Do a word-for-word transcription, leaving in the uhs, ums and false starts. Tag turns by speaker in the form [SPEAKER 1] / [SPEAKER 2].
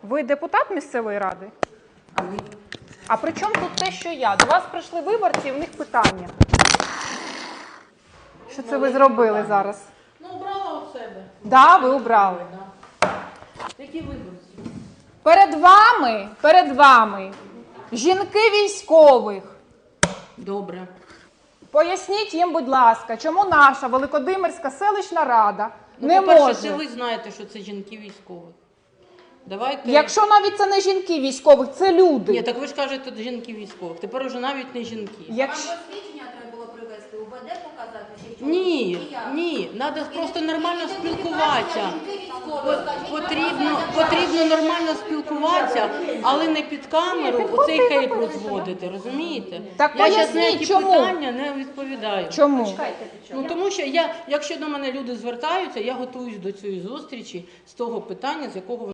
[SPEAKER 1] Ви депутат місцевої ради?
[SPEAKER 2] А ви?
[SPEAKER 1] А при чому тут те, що я? До вас прийшли виборці, і в них питання. Що це ви зробили зараз?
[SPEAKER 2] Ну, обрала у себе.
[SPEAKER 1] Да, ви обрали.
[SPEAKER 2] Да. Які виборці?
[SPEAKER 1] Перед вами, перед вами, жінки військових.
[SPEAKER 2] Добре.
[SPEAKER 1] Поясніть їм, будь ласка, чому наша Великодимирська селищна рада
[SPEAKER 2] Ну,
[SPEAKER 1] не
[SPEAKER 2] по-перше,
[SPEAKER 1] може...
[SPEAKER 2] це ви знаєте, що це жінки військових. Давайте...
[SPEAKER 1] Якщо навіть це не жінки військових, це люди.
[SPEAKER 2] Ні, так ви ж кажете, жінки військових. Тепер уже навіть не жінки.
[SPEAKER 1] Якщо...
[SPEAKER 3] Вам посвідчення треба було привезти, УБД показати? Чи чого?
[SPEAKER 2] Ні,
[SPEAKER 3] Чи як?
[SPEAKER 2] ні, треба просто нормально
[SPEAKER 3] І тоді
[SPEAKER 2] спілкуватися.
[SPEAKER 3] жінки військові, скажіть,
[SPEAKER 2] Потрібно,
[SPEAKER 3] нормально,
[SPEAKER 2] потрібно нормально спілкуватися, але не під камеру оцей хейт розводити, розумієте?
[SPEAKER 1] Так
[SPEAKER 2] я зараз на
[SPEAKER 1] поясніть,
[SPEAKER 2] ці
[SPEAKER 1] чому?
[SPEAKER 2] питання не відповідаю.
[SPEAKER 1] Чому?
[SPEAKER 2] Ну тому що я, якщо до мене люди звертаються, я готуюсь до цієї зустрічі з того питання, з якого